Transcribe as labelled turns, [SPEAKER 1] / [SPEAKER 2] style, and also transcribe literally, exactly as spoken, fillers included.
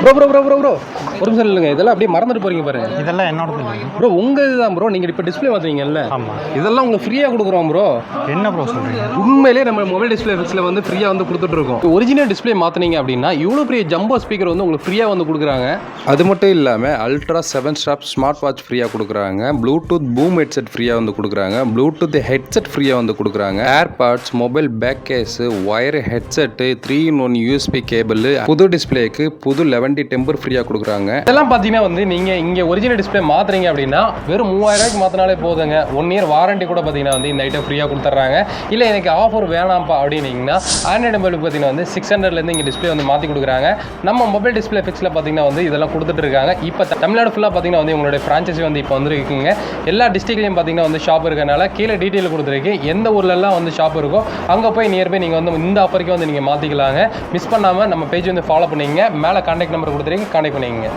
[SPEAKER 1] Bro bro bro bro bro ஒரு நிமிஷம் இல்லைங்க, இதெல்லாம் அப்படியே மறந்துட்டு போறீங்க பாருங்க.
[SPEAKER 2] இதெல்லாம் என்னோடது
[SPEAKER 1] ப்ரோ உங்க இதுதான் ப்ரோ. நீங்க இப்போ டிஸ்பிளே மாத்துறீங்கல்ல,
[SPEAKER 2] ஆமாம்.
[SPEAKER 1] இதெல்லாம் உங்களுக்கு ஃப்ரீயாக கொடுக்குறோம் ப்ரோ.
[SPEAKER 2] என்ன ப்ரோ சொல்கிறீங்க?
[SPEAKER 1] உண்மையிலே நம்ம மொபைல் டிஸ்பிளே ஃபிக்ஸில் வந்து ஃப்ரீயாக வந்து கொடுத்துட்டு இருக்கோம். ஒரிஜினல் டிஸ்பிளே மாற்றினீங்க அப்படின்னா இவ்வளோ பெரிய ஜம்போ ஸ்பீக்கர் வந்து உங்களுக்கு ஃப்ரீயாக வந்து கொடுக்குறாங்க.
[SPEAKER 3] அது மட்டும் இல்லாமல் ultra seven stop smart watch ஃப்ரீயாக கொடுக்குறாங்க. ப்ளூடூத் பூம் ஹெட்செட் ஃப்ரீயாக வந்து கொடுக்குறாங்க. ப்ளூடூத் ஹெட்செட் ஃப்ரீயாக வந்து கொடுக்குறாங்க. AirPods, mobile back case, wire headset, three in one USB cable, புது டிஸ்பிளேக்கு புது லெவன்டி டெம்பர் ஃப்ரீயாக கொடுக்குறாங்க.
[SPEAKER 1] இதெல்லாம் பார்த்தீங்கன்னா வந்து நீங்கள் இங்கே ஒரிஜினல் டிஸ்பிளே மாற்றுறீங்க அப்படின்னா வெறும் மூவாயிரம் ரூபாய்க்கு மாற்றினாலே போதுங்க. ஒன் இயர் வாரண்டி கூட பார்த்தீங்கன்னா வந்து இந்த ஐட்டம் ஃப்ரீயாக கொடுத்துட்றாங்க. இல்லை எனக்கு ஆஃபர் வேணாம்ப்பா அப்படின்னீங்கன்னா ஆண்ட்ராய்டு மொபைலுக்கு பார்த்தீங்கன்னா வந்து சிக்ஸ் ஹண்ட்ரட்லேருந்து இங்கே டிஸ்பிளே வந்து மாற்றி கொடுக்குறாங்க. நம்ம மொபைல் டிஸ்பிளே ஃபிக்ஸில் பார்த்தீங்கன்னா வந்து இதெல்லாம் கொடுத்துட்டு இருக்காங்க. இப்போ தமிழ்நாடு ஃபுல்லாக பார்த்தீங்கன்னா வந்து உங்களுடைய ஃப்ரான்ச்சைசி வந்து இப்போ வந்துருக்குங்க. எல்லா டிஸ்ட்ரிக்ட்லையும் பார்த்தீங்கன்னா வந்து ஷாப் இருக்கனால கீழே டீட்டெயில் கொடுத்துருக்கு. எந்த ஊர்லலாம் வந்து ஷாப் இருக்கோ அங்கே போய் நியர்பை நீங்கள் வந்து இந்த ஆஃபருக்கு வந்து நீங்கள் மாற்றிக்கலாங்க. மிஸ் பண்ணாமல் நம்ம பேஜ் வந்து ஃபாலோ பண்ணிங்க. மேலே கான்டாக்ட் நம்பர் கொடுத்துருக்கு, கான்டாக்ட் பண்ணிங்க.